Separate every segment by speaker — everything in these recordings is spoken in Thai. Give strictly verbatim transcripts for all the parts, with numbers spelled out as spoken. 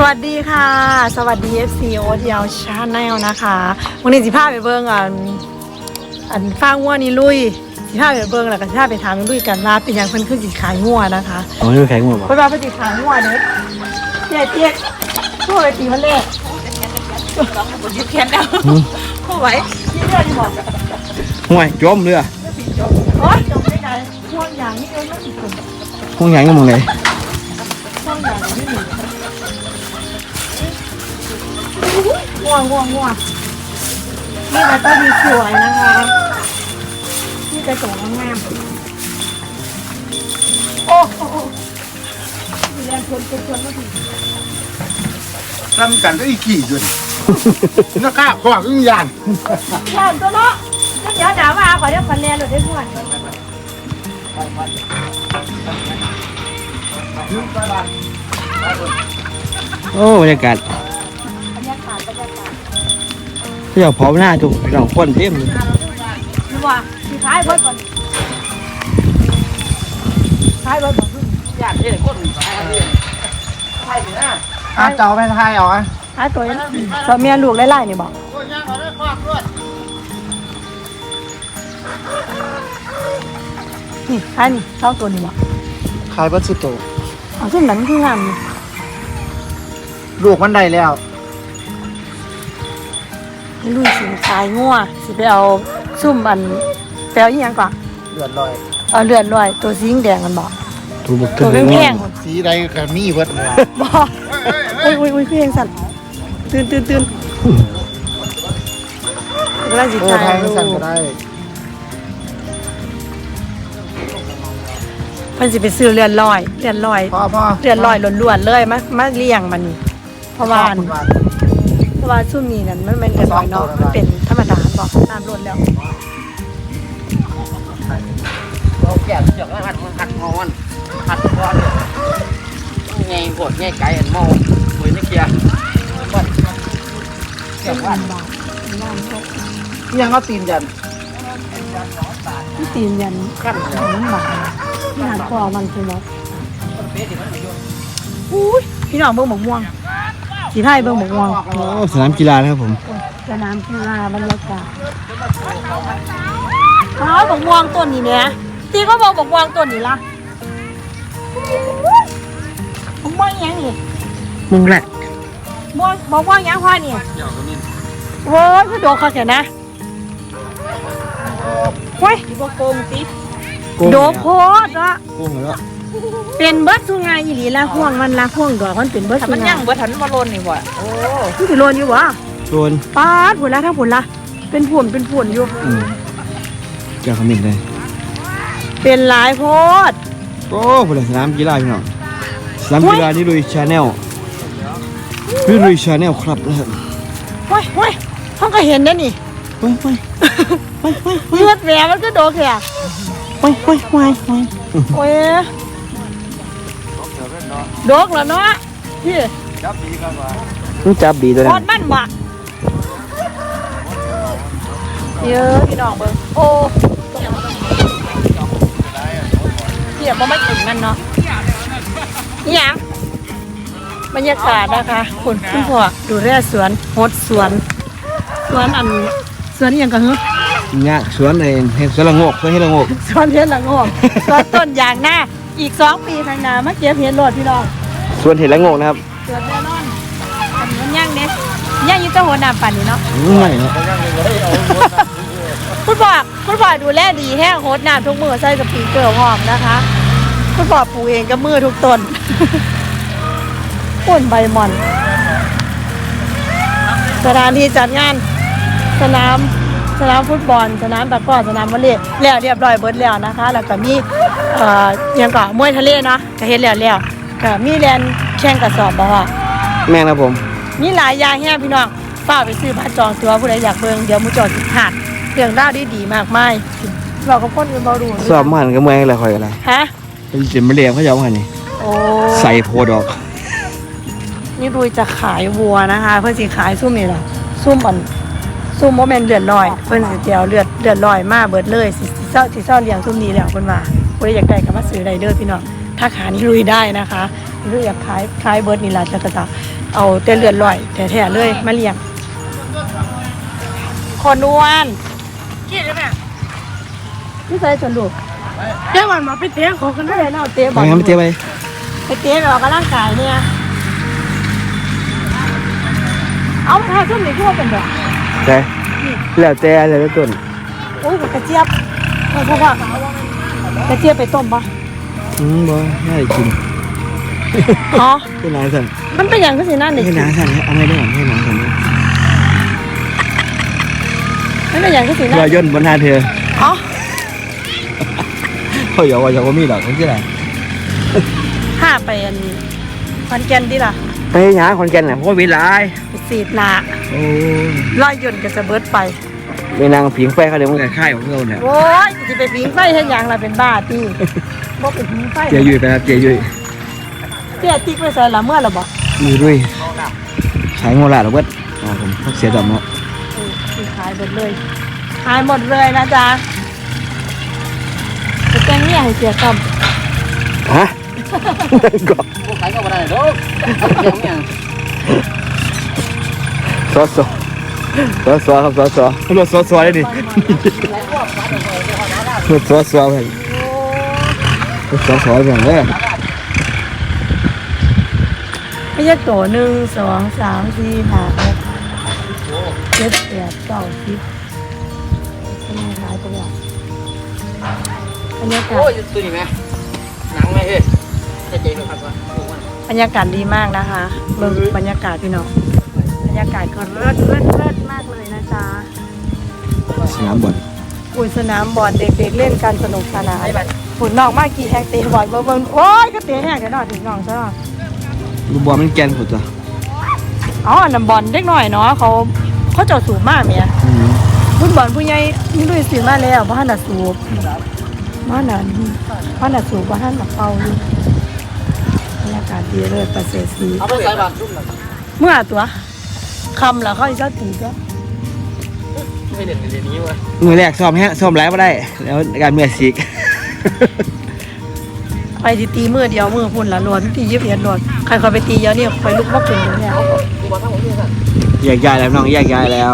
Speaker 1: วัสดีค่ะสวัสดี เอฟ ซี โอ๊ตเยาวชาแนลนะคะวันนี้สิพาไปเบิ้งอันอันฟ้างัวนี่ลุยสิพาไปเบิ้งแล้วก็สิพาไปถามลุยกันว่าเป็นยังเพิ่นขึ้นสิขายงัวนะคะ
Speaker 2: อ๋อนี่ขายงัวบ่
Speaker 1: เพิ่นว่าเพิ่นสิขายงัวเด้อเจ๊เจ๊โทษไปตีมันเลยต้องบ่ยึดแขนแล้วโอ้ยที่เรืออยู่บ่
Speaker 2: ห่วยจมเรือ
Speaker 1: โอ๊ยจมได้ไงห่วงอย่างนี้เองมันสิจม
Speaker 2: ห่วงใหญ่ก็มึงเลย
Speaker 1: ห่วงอย่างนี้ง่วงง่วงง่วงนี่มันก็ดีสวยนะคะนี่จะส่งงามโอ้โหมีแรงชนชนชนก็ดี
Speaker 3: ทำกันก็อีกกี่จนนักฆ่าขวางอึ้งยาน
Speaker 1: ยานตัวเนาะก็เดี๋ยวหนาวมาขอเดี๋ยวฟันแรงหลุดได้ด้วย
Speaker 2: โอ้บรรยากาศ
Speaker 1: บรรยากาศบรรยากาศ
Speaker 2: เขาอยากพร้อมหน้าจุกเราควนเต็มเลย
Speaker 1: ดูว่าสีท้ายเพิ่มก่อนท้ายเพิ่มก่อน
Speaker 3: ยานที่ไหนคนท้ายท้ายเนี่ยอ่ะเจ้าไม่ท้ายเอาอ่ะ
Speaker 1: ท้ายตัวนี้สามีลูกไล่ๆนี่บอกนี่ท้ายนี่เท่าตัวนี้บอก
Speaker 3: ขายบัตรสุดโต
Speaker 1: เอาซึ่งนั้นคืองาม
Speaker 3: ลูกมันได้แล้ว
Speaker 1: ลุยสิขายงัวสิไปเอาซุ่มมันแปลวอีหยังก่อน
Speaker 3: เลือดลอย
Speaker 1: เอาเลือดลอยตัวสีแดงกันบอกตัวแพง
Speaker 3: สีใดก็มีเบิดเลย
Speaker 1: บอกอุ้ยอุ้ยอุ้ยพี่เองสั่นตื่นตื่นตื่นก็ได้สิขาย
Speaker 3: สั่นก็ได้
Speaker 1: เพิ่นสิไปซื้อเลือดลอยเลือดลอยเลือดลอยล้วนๆเลยมามาเลี้ยงมันนี่เพราะว่าเพราะว่าซุ่มนี้นั่นมันเป็นเลือดลอยเนาะมันเป็นธรรมดาบอกน้ำล้นแล้ว
Speaker 4: เราแก่จากหัดหัดงอนหัดงอนไงกดไงไก่มองเหมือนนี่เกียร์บ้านเกี่ยวบ้านยังเขาตีนยัน
Speaker 1: ที่ตีนยันขั้นน้ำบาที่หันคอมันคือว่าอุ้ยพี่น้องเบิ่งหมกม่วงสีไทยเบิ่งหมกม่วง
Speaker 2: โอ้สนามกีฬานะครับผม
Speaker 1: สนามกีฬาบรรยากาศอ๋อหมกม่วงต้นนี้เนี่ยตีก็บอกหมกม่วงต้นนี้ละหมกม่วงยังนี่
Speaker 2: มึงแหละ
Speaker 1: ม่วงหมกม่วงยังพ่อนี่โว้ยคือโดนเขาเสียนะเฮ้ยโกงสิโดโพดละ
Speaker 2: โกงแล้ว
Speaker 1: เป็นเบิร์ดสุงาอีหลีละห่วงมันละห่วงดอกมันเป็นเบิร์ดสุงา
Speaker 4: มันยังเบิร์ดทันมาโลนนี่วะโอ้
Speaker 1: ที่ถือโลนอยู่วะ
Speaker 2: โลน
Speaker 1: ปาดผุนละทั้งผุนละเป็นผุนเป็นผุนอยู่
Speaker 2: เจ้าขมิ้นเลย
Speaker 1: เป็นหลายโพด
Speaker 2: โอ้ผุนสนามกีฬาพี่น้องสนามกีฬานี่ลุยชาแนลนี่ลุยชาแนลครับนะครับ
Speaker 1: เฮ้ยเฮ้ยเขาก็เห็นนะนี่
Speaker 2: เฮ้ยเฮ้ยเฮ้ยเฮ้ย
Speaker 1: เลือดแหวมันก็โดนแค่
Speaker 2: เฮ้ยเฮ้ยเฮ้ยเฮ้ย
Speaker 1: โอ้ยดกแล้วเนาะพี่
Speaker 2: จับดีกันวะรู้จับดีตัว
Speaker 1: นั้นมันบักเยอะพี่น้องเบิ้งโอ้เดี๋ยวมันไม่ถึงมันเนาะนี่ยังบรรยากาศนะคะคุณคุณพ่อดูแลสวนโฮดสวนสวนอันสวนยังกระหือ
Speaker 2: เนี่ยสวนเองเห็ดสวนละงกสวนเห็ดละงก
Speaker 1: สวนเห็ดละงกสวนต้นยางหน้าอีกสองปีข้างหน้ามาเก็บเห็ดโหลดพี่น้อง
Speaker 2: สวนเห็ดละงกนะครับ
Speaker 1: สวนแน่นอนอันมันย่างเนี่ยย่างยิ่งต้องหัวหน้าปั่นนี่เนาะ
Speaker 2: ไม่เนาะ
Speaker 1: คุณพ่อคุณพ่อดูแลดีแห้งโหดน้ำทุกมือใส่สปริงเกอร์หอมนะคะคุณพ่อปลูกเองกับมือทุกต้นต้นใบหม่อนสถานที่จัดงานสนามสนามฟุตบอลสนามตะกร้อสนามวอลเลย์แล้วเรียบร้อยเบิดแล้วนะคะแล้วก็มีเอ่อยังก็มวยทะเลเนาะก็เฮ็ดแล้วแล้วก็มีแลนแข่งกระสอบบ่ว่า
Speaker 2: แม่นะผม
Speaker 1: มีหลายอย่างแฮะพี่น้องฝากไปซื้อบัตรจองตั๋วผู้ใดอยากเบิ่งเดี๋ยวมื้อจอดสิหาดเรื่องราวดีๆมากมายเราก็คนอื่นบ่รู้
Speaker 2: สอบมันก็เมื่อยอะไรค่อยกันล่ะ
Speaker 1: ฮะ
Speaker 2: เป็นสิมาเลี้ยงเขาเจ้าหั่นนี่
Speaker 1: โอ้
Speaker 2: ใส่โพดอก
Speaker 1: นี่ดุยจะขายวัวนะคะเพิ่นสิขายซุ่มนี่ล่ะซุ่มอันซุ่มโมเมนต์เลือดลอยเพิ่นสิเตียวเลือดเลือดลอยมาเบิดเลยสิเศร้าสิเศร้าเลี้ยงซุ่มนี้แล้วเพิ่นว่าผู้ใดอยากได้ก็มาซื้อได้เด้อพี่น้องทักหานี่ลุยได้นะคะนี่ลุยอยากขายขายเบิร์ดนี่แหละจะกระตาเอาแต่เลือดลอยแท้ๆเลยมาเลี้ยงคนอ้วนกี่ได้ไหมนี่ใส่ส่วนลูกเจ้าวันมาไปเตะเขากันได้เนาะเตะบ
Speaker 2: ไป
Speaker 1: อล
Speaker 2: งั้นไปเตะไป
Speaker 1: ไปเตะไปออกกำลังกายเนี่ยเอาถ้าช่วงนี้ทั่วเป็นแบบ
Speaker 2: ใช่แล้วแต่แล้วต้น
Speaker 1: โอ้ยกระเจี๊ยบเพราะว่ากระเจี๊ยบไปต้มปะ
Speaker 2: อืมบ่น่าจะกิน
Speaker 1: อ๋อ
Speaker 2: ให้น้าสั่น
Speaker 1: มันเป็นอย่างก็สิน่าหนึ่ง
Speaker 2: ให้น้าสั่นเอาไม่ได้หรอให้น้าสั่น
Speaker 1: มันเป็นอย่างก็สิน่า
Speaker 2: ว่าย่นบนหน้าเธอ
Speaker 1: อ๋อ
Speaker 2: เขาอย่าว่าอย่าว่ามีหรอกมันคืออะไร
Speaker 1: ห้าไปอันฟันแกนดิล่ะ
Speaker 2: ไปหาคนแก่นน่ะเพราะว่าเวลา
Speaker 1: ไปสีดหนา
Speaker 2: โอ้
Speaker 1: ร้อยยนต์ก็จะเบิดไป
Speaker 2: เวลาผิงไฟเขาเดี๋ยวมันก็ค่ายของเขาเนี่ย
Speaker 1: โอ้ยจะไปพิงไฟเห็นอย่างละเป็นบ้าตีบ่ไปพิงไฟ
Speaker 2: เจียยุยไปครับเจียยุย
Speaker 1: เตี้ยติ๊กไปใส่ละเมื่อหรอบ่
Speaker 2: มีด้วยขายโมลาหรอเบิดอ่าผมพวกเสียดำเนาะ
Speaker 1: เออคือขายหมดเลยขายหมดเลยนะจ๊ะจะแจ้งเนี่ยให้เสียกรรม
Speaker 2: ฮะก็
Speaker 4: พวกขายก็บ่ได้ดอกเรื่องเนี่ย
Speaker 2: ซอสซอสซอสครับซอสซอสรถซอสซอสได้ดิรถซอสซอสไปรถซอสซอสไปเลย
Speaker 1: ไม่ใช่ตัวหนึ่งสองสามสี่ห้าหกเจ็ดแปดเก้าสิบทำไมหายไปแล้วบรรยากา
Speaker 4: โอ้ย
Speaker 1: ศ
Speaker 4: ตัวนี้แม่หนังไหมเฮ้ยจะเจ๊ครับว่า
Speaker 1: บรรยากาศดีมากนะคะเบิ่งบรรยากาศพี่น้องบรรยากาศก็เลิศเลิศเลิศมากเลยนะจ๊ะ
Speaker 2: สนามบอล
Speaker 1: อุ่นสนามบอลเด็กๆเล่นกันสนุกสนานฝุ่นนอกมากกี่แฮกเตะบอลเบิ่งเบิ่งโอ้ยก็เตะแฮกกันหน่อยถึงน้องซะหน่อย
Speaker 2: ลูกบอลมันแกนผุดจ้ะ
Speaker 1: อ๋อน้ำบอลเด็กหน่อยเนาะเขาเขาเจ้าสูบมากเมียฟุตบอลผู้ใหญ่นี่ด้วยสิมาแล้วบ้านน่ะสูบบ้านน่ะบ้านน่ะสูบบ้านน่ะเป่าอยู่บรรยากาศดีเลยประเสริฐสี
Speaker 4: เอาไปใส่บาตรรุ่มหน่อย
Speaker 1: เมื่อตัวคำแล้วเขาอีกสักตีก็
Speaker 4: ไม่เด่นเด่นนี้เว้ย
Speaker 2: มือแรกซ้อมฮะซ้อมไลฟ์มาได้ แล้วการเมื่อสิก
Speaker 1: ไปที่ตีมือเดียวมือพุ่นละรวนที่ยิบเอียดรวนใครคอยไปตีเยอะนี่ไปลุกมากเกินเลยเนี่ย
Speaker 4: กูบอกทั้งหมดนี่สั่น
Speaker 2: แยกย้ายแล้วน้องแยกย้ายแล้ว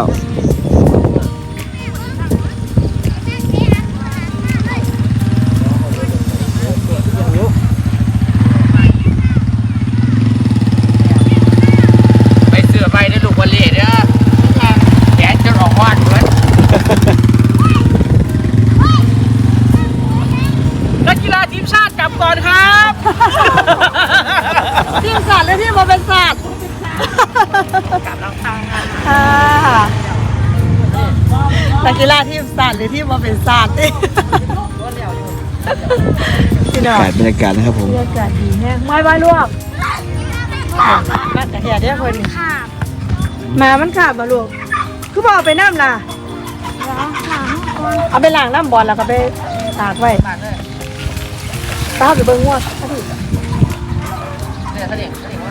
Speaker 4: ไปเสือไปได้ลูกวันเล่เด้อแขนจนออกวาดเหมือนนักกีฬาทีมชาติกลับก่อนครับ
Speaker 1: ทีมศาสตร์และทีมมาเป็นศาสตร์
Speaker 4: กลับแล้วค่ะ
Speaker 1: ค่ะนักกีฬาทีมศาสตร์หรือทีมมาเป็นศาสตร์พี่น้อง
Speaker 2: กาศบรรยากาศนะครับผม
Speaker 1: บรรยากาศดีแห้งไม่ไหวลวกมาแต่แห่ได้เพิ่นมามันขาดบ่ลูกคือบ่เอาไปน้ำล่ะเอาไปล้างน้ำบอลแล้วก็ไปตากไว้ตาไปเบิ่งงวดเอาดิ
Speaker 4: เนี่ยเขาเรียกเขาเรียกว่า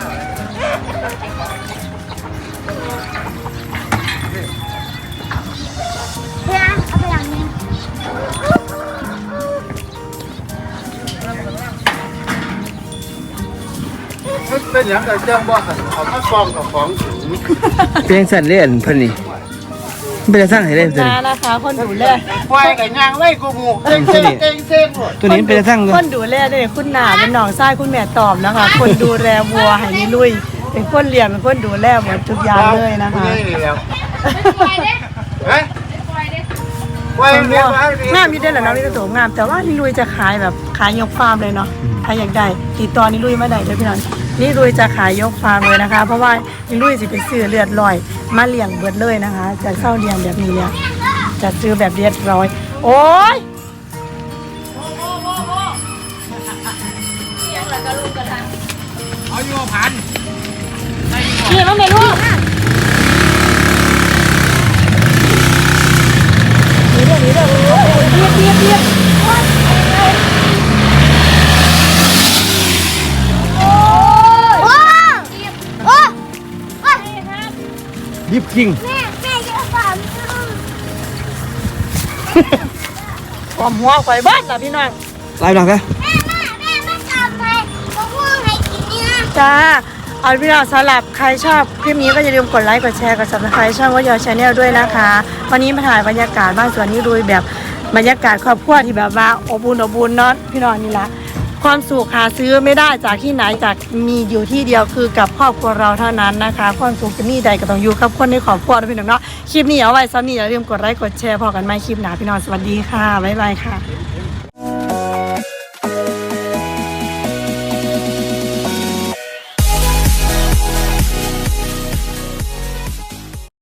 Speaker 3: เป็นอย่างไรเจ้าบ่สันเอามาฟองกับของ
Speaker 2: เพียงสั่นเล่นเพิ่นนี่ไม่ได้สร้างให้ได้ตัว
Speaker 1: นา
Speaker 2: นี้
Speaker 1: นะคะคนดูแล
Speaker 3: ควายกับยางไล่กูหมูเต้งเต้งเต้งเต้งหมด
Speaker 2: ตัวนี้มันเป็นสร้างเลย
Speaker 1: คนดูแลด้วยคุณหนาเป็นน้องชายคุณแม่ตอบนะคะ คนดูแลวัวให้นี่ลุย เป็นคนเลี้ยงเป็นคนดูแลหมดทุกอย่างเลยนะคะ
Speaker 3: นี่แล้วเฮ้ยควาย
Speaker 1: เป็น
Speaker 3: เลี้
Speaker 1: วั
Speaker 3: ยว งไว้ดิ
Speaker 1: งามนี่ได้แหละน้องนี่ก็สวยงาม แต่ว่านี่ลุยจะขายแบบขายยกฟาร์มเลยเนาะใครอยากได้ติดต่อนี่ลุยมาได้เลยพี่น้องนี่ลุยจะขายยกฟาร์มเลยนะคะ เพราะว่านี่ลุยสิไปซื้อเลือดลอยมาเลี้ยงเบิดเลยนะคะ จะเศร้าเลี้ยงแบบนี้เนี่ยจะซื้อแบบเรียบร้อย โอ้ย
Speaker 4: เอาอยู่พัน
Speaker 1: นี่มันไม่รู้หนีเด้อหนีเด้อเบียดเบียดเบียดโอ้ย
Speaker 2: ยิบกิ้ง
Speaker 1: ความหัวไฟบ้านล่ะพี่น้อง
Speaker 2: ไล่ดอกนะ
Speaker 5: แม่แม่แม่มันกลับไป
Speaker 1: จ้าเอาพี่น้องสำหรับใครชอบคลิปนี้ก็อย่าลืมกดไลค์กดแชร์กด ซับสไครบ์ ช่องว่ายอชาแนลด้วยนะคะวันนี้มาถ่ายบรรยากาศบ้านสวนนิรุยแบบบรรยากาศครอบครัวที่แบบว่าอบอุ่นอบอุ่นเนาะพี่น้องนี่ละความสุขหาซื้อไม่ได้จากที่ไหนจากมีอยู่ที่เดียวคือกับครอบครัวเราเท่านั้นนะคะความสุขจะมีใดก็ต้องอยู่กับคนในครอบครัวนะพี่น้องเนาะคลิปนี้เอาไว้ซ้ำนี้อย่าลืมกดไลค์กดแชร์พอกันไหมคลิปหนาพี่น้องสวัสดีค่ะบ๊ายบายค่ะ